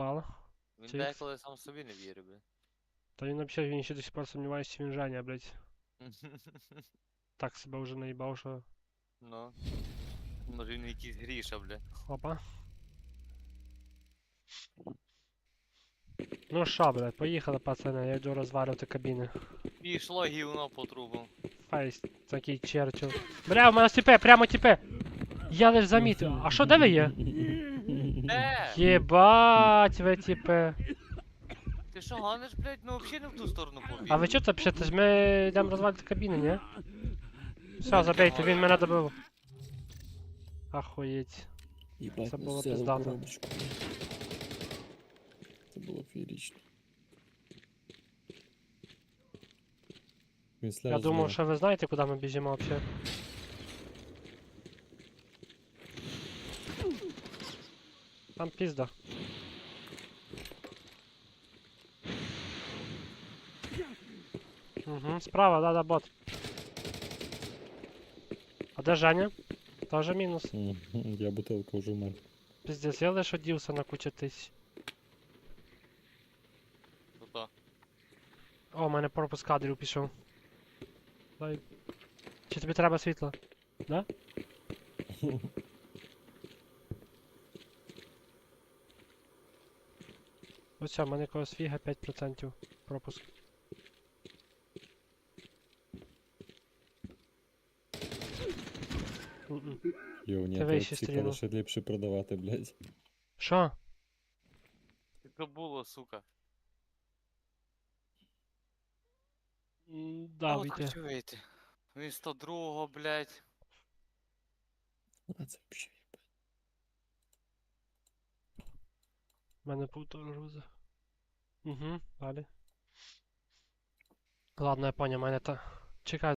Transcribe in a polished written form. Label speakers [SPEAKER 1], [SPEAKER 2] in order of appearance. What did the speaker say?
[SPEAKER 1] заїбало.
[SPEAKER 2] Він
[SPEAKER 1] Чікс.
[SPEAKER 2] деколи сам собі не вірить, блядь.
[SPEAKER 1] Та він взагалі, він ще до сих пор сумнівається, чи він Женя, блядь. Так себе вже наїбав, що...
[SPEAKER 2] Ну. Може він якийсь гріша, блядь.
[SPEAKER 1] Опа. Ну що, блядь, поїхали, пацани, я йду розвалювати кабіни.
[SPEAKER 2] Пішло гівно по трубам.
[SPEAKER 1] Фейс, такий Черчилл. Бля, у мене тіпе, прямо тіпе. Я лиш замітив. А що, де ви є?
[SPEAKER 2] Де?
[SPEAKER 1] Єбать ви тіпе.
[SPEAKER 2] Ти що гониш, блядь? Ми взагалі не в ту сторону побіг.
[SPEAKER 1] А ви чого це пишете? Ми йдемо розвалювати кабіни, ні? Все, забейте, він мене добив. Ахуєть.
[SPEAKER 3] Ебать,
[SPEAKER 1] Це
[SPEAKER 3] ну
[SPEAKER 1] було
[SPEAKER 3] взяла
[SPEAKER 1] пиздато.
[SPEAKER 3] коробочку. Це було феєрично.
[SPEAKER 1] Я думав, що ви знаєте, куди ми біжимо взагалі. Там пізда. Угу, справа, да, бот. А де Женя? Тоже мінус.
[SPEAKER 3] Я бутилка вже мер.
[SPEAKER 1] Пиздец, я лише одівся на кучу тисяч.
[SPEAKER 2] Тут-то.
[SPEAKER 1] О, у мене пропуск кадрів пішов. Дай. Чи тобі треба світло? Да? Ось все, в мене якогось фіга 5% пропуск. Мгм.
[SPEAKER 3] Йо, ні,
[SPEAKER 1] Ти вище
[SPEAKER 3] то ці
[SPEAKER 1] стрілу.
[SPEAKER 3] калаші ліпше продавати, блядь.
[SPEAKER 1] Що?
[SPEAKER 2] Це було, сука.
[SPEAKER 1] Да,
[SPEAKER 2] От
[SPEAKER 1] вийти.
[SPEAKER 2] хочу вийти. Він 102-го, блядь.
[SPEAKER 3] А це взагалі.
[SPEAKER 1] У мене півтора грузи. Угу, далі. Ладно, я понял, мене та... Чекай.